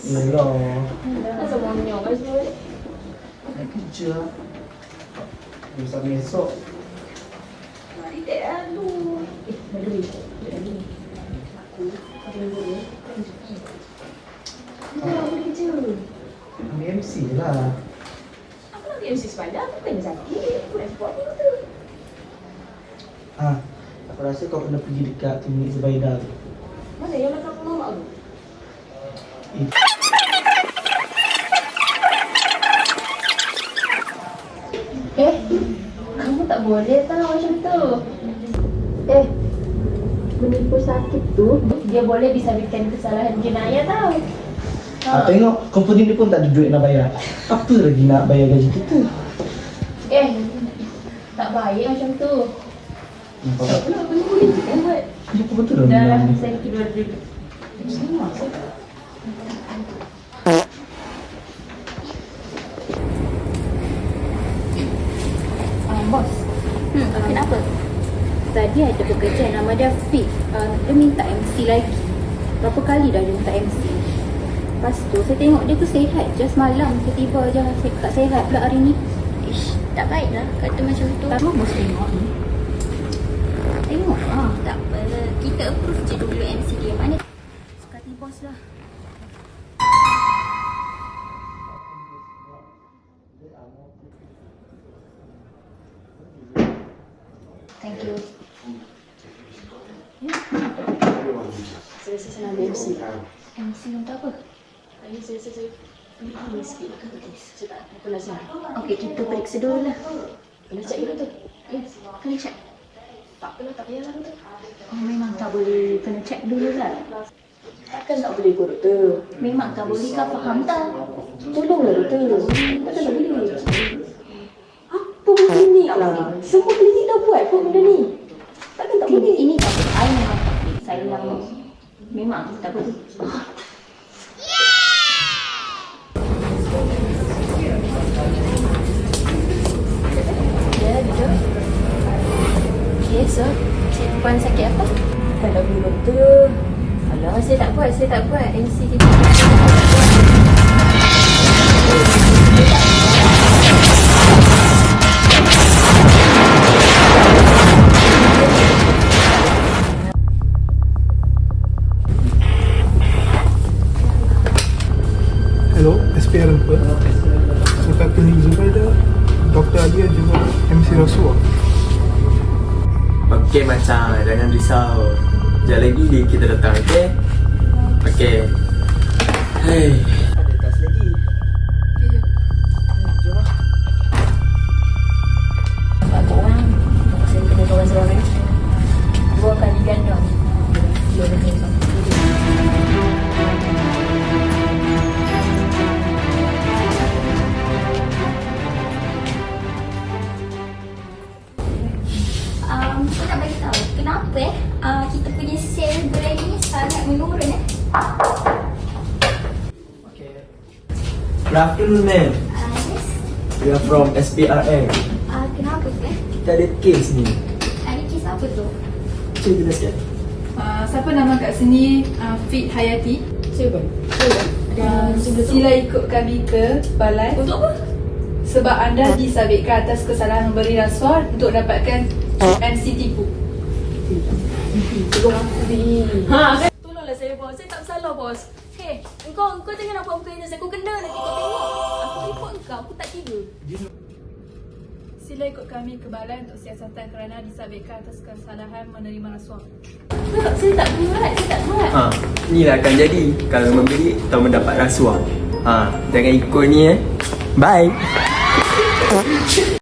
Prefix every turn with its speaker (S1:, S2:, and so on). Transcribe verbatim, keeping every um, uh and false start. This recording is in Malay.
S1: Yelah.
S2: Asal banyak kan semua ni?
S1: Nak kerja. Sampai esok.
S2: Mari dek aduh. Eh, mana ni? Ada ni. Aku, aku yang boleh. Aku nak kerja.
S1: Ambil M C lah.
S2: Aku nak pergi M C semalam. Aku kena sakit. Aku nak support ni tu.
S1: Ah, aku rasa kau kena pergi dekat klinik Zubaida tu.
S2: Mana yang makan mamak tu?
S1: Eh.
S2: Eh, kamu tak boleh tahu macam tu. Eh, menipu sakit tu, dia boleh disabitkan kesalahan jenayah tau.
S1: Ah, tengok, company ni pun tak ada duit nak bayar. Apa lagi nak bayar gaji kita?
S2: Eh, tak baik macam tu. Tak pula, aku ni boleh kan buat.
S1: Kenapa betul dah
S2: Dah lah,
S1: bilang ni?
S2: saya tidur dulu. Sama, saya
S3: Uh, bos, hmm, kenapa? Tadi ada pekerja nama dia Fik. Uh, dia minta M C lagi. Berapa kali dah dia minta M C. Lepas tu saya tengok dia tu sihat. Just malam tiba-tiba je saya tak sihat pula hari ni. Ish, tak baik lah kata macam tu.
S2: kamu bos tengok ni.
S3: Tengok ah, tak apa. Kita approve je dulu M C dia. Mana suka hati bos lah. Thank you.
S2: Saya rasa saya nak ambil M C.
S3: M C untuk apa?
S2: Hari saya rasa saya ambil sikit dekat tu. Saya tak aku nak siap.
S3: Okey, kita periksa dulu lah.
S2: Kena check dulu tu.
S3: Yes, kena check.
S2: Tak apalah, tak payahlah tu.
S3: Oh, memang tak boleh kena check dulu lah.
S2: Takkan tak boleh kot doktor.
S3: Memang tak boleh kau faham tak?
S2: Tolonglah doktor. Takkan tak boleh. Apa pun klinik lah. Semua klinik dah buat pun benda ni. Takkan tak boleh.
S3: Ini tak boleh. I memang tak boleh. Saya yang memang tak boleh. Ya, duduk. Okay, so Cik Puan sakit apa?
S2: Takkan tak boleh doktor.
S3: Alah, saya tak buat, saya tak buat. M C dia.
S4: Hello, S P R apa? Dekat klinik Zubaida, Doktor Alia juga M C Rasuah.
S5: Okey macam, jangan risau. Sekejap lagi kita datang, okey? Okey. Hei. Ada tas lagi.
S3: Okay,
S5: Jom lah.
S3: Pak Kok Wan, saya kena kawan seorang ni. Dua kali gandang. Dua kali gandang. Um, saya nak bagi tahu kenapa eh uh, kita punya sale gerai ni sangat menurun eh.
S5: Okay. Good afternoon, ma'am.
S3: Uh, yes.
S5: We are from S P R M.
S3: Uh, kenapa tu eh?
S5: Kita ada kes ni.
S3: Ada kes apa tu?
S5: Cik jelaskan.
S6: Uh, siapa nama kat sini uh, Fit Hayati.
S2: Siapa? Siapa?
S6: Uh, sila ikut kami ke balai
S2: Untuk apa?
S6: sebab anda disabitkan atas kesalahan memberi rasuah untuk dapatkan M C tipu.
S2: Tolong aku ni. Ha, kan? Tolonglah saya bos. Saya tak bersalah bos. Hei, engkau engkau jangan nak buat muka ini. Aku kena nanti kau tengok. Aku report engkau. Aku tak kira.
S6: Sila ikut kami ke balai untuk siasatan kerana disabitkan atas kesalahan menerima rasuah.
S2: Tak, saya tak buat. Saya tak buat.
S5: Ha, inilah akan jadi kalau memberi atau mendapat rasuah. Ha, jangan ikut ni eh. Bye.